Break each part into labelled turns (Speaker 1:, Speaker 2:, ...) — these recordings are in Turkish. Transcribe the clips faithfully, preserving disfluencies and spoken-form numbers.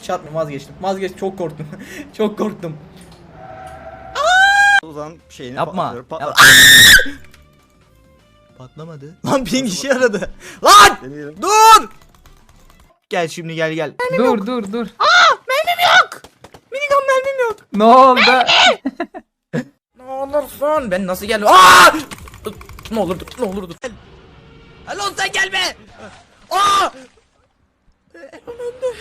Speaker 1: şey atmıyorum, vazgeçtim. Vazgeçtim, çok korktum. Çok korktum.
Speaker 2: O zaman şeyini
Speaker 1: Yapma.
Speaker 2: patlatıyor, patlat-
Speaker 1: Yap- Patlamadı. Lan ping işe yaradı. Lan!
Speaker 2: Deneyelim.
Speaker 1: Dur! Gel şimdi gel gel.
Speaker 3: Dur dur dur.
Speaker 1: Minigun mermim yok.
Speaker 3: Ne oldu?
Speaker 1: Ne olursun. Ben nasıl geldim? Aa! Ne olur dur. Ne olur dur. Elon sen gelme. Aa! Elon önde.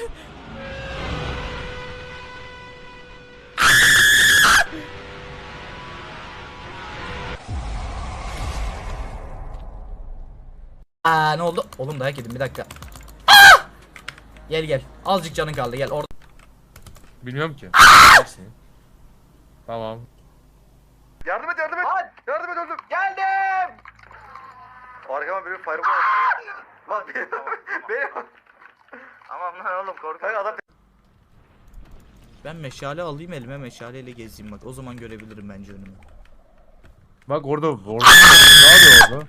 Speaker 1: Aa, ne oldu? Oğlum dayak yedim bir dakika. Aa! Gel gel. Azıcık canın kaldı gel orada.
Speaker 4: Bilmiyorum ki. Tamam.
Speaker 2: Yardım et yardım et. Yardım et öldüm. Geldim. Arkama bir fireball attı. Lan benim. Benim. Aman lan oğlum korkuyorum. Adam.
Speaker 1: Ben meşale alayım elime, meşaleyle gezeyim bak. O zaman görebilirim bence önümü.
Speaker 4: Bak orada orada. Ne yapıyor orada?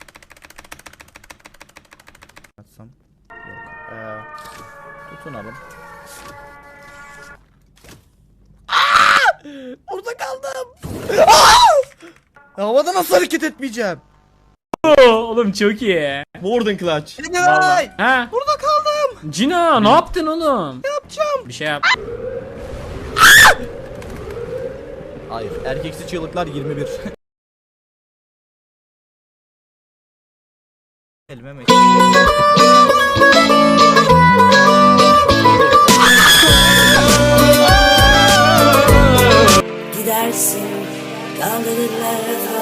Speaker 1: Atsam. Yok. Ee, tutunalım. Orada kaldım. Havada nasıl hareket etmeyeceğim?
Speaker 5: Oğlum çok iyi.
Speaker 2: Warden clutch.
Speaker 1: Ay!
Speaker 5: Ha?
Speaker 1: Burada kaldım.
Speaker 5: Cina ne yaptın oğlum?
Speaker 1: Yapacağım.
Speaker 5: Bir şey yap.
Speaker 1: Hayır. Erkeksi çığlıklar yirmi bir. Elime meşale.
Speaker 6: Gidersin kaldırırlar